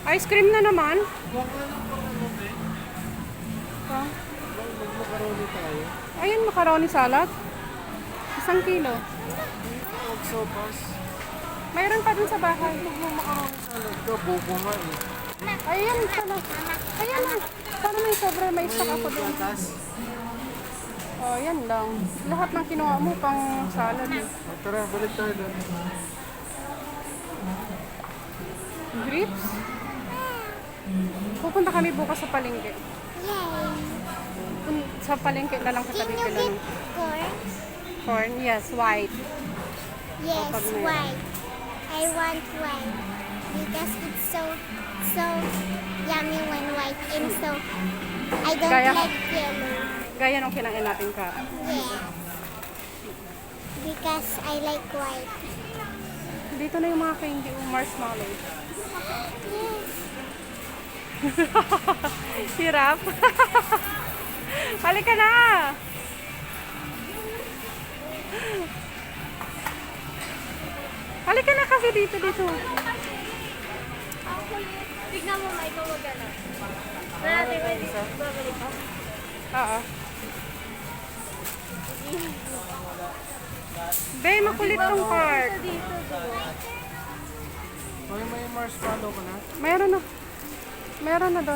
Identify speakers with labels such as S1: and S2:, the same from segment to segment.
S1: Ice cream na naman.
S2: Huwag na lang pang ano, be.
S1: Oh.
S2: Mag-macaroni tayo.
S1: Ayun, macaroni salad. 1 kilo.
S2: Huwag sopas.
S1: Mayroon pa dun sa bahay.
S2: Mag-macaroni salad ka, bobo nga eh.
S1: Ayan, pala. Ayan, para may sobra, may stock ako dun.
S2: Gatas.
S1: Oh, yan lang. Lahat ng kinuha mo pang salad. Eh.
S2: O, tara, balik tayo doon.
S1: Grapes? Pupunta kami bukas sa palengke.
S3: Yay!
S1: Sa palengke na lang kita
S3: Can you
S1: bibili
S3: get
S1: ng
S3: corn?
S1: corn. Yes, white.
S3: Yes,
S1: Kapag may-
S3: white. I want white because it's so yummy when white and so I don't
S1: Kaya-
S3: like yellow.
S1: Gaya nung kinain natin ka.
S3: Yeah. Because I like white.
S1: Dito na yung mga candy o marshmallow.
S3: Yes.
S1: Hirap. Halika na. Halika na kasi dito.
S3: Tignan mo, may gumagana. Natin pwede babalik pa.
S1: Oo. Be, makulit tong park.
S2: May marshmallow ka na?
S1: Meron na. Meron na doon.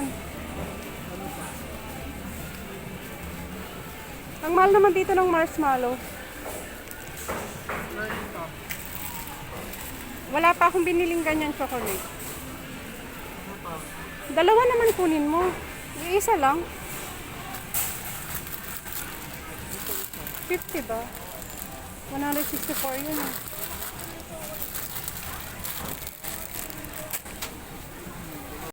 S1: Ang mahal naman dito ng marshmallow.
S2: Learning top.
S1: Wala pa akong biniling ganyan chocolate.
S2: Ano pa?
S1: Dalawa naman kunin mo. Iisa lang. 50 ba? 164 yun eh.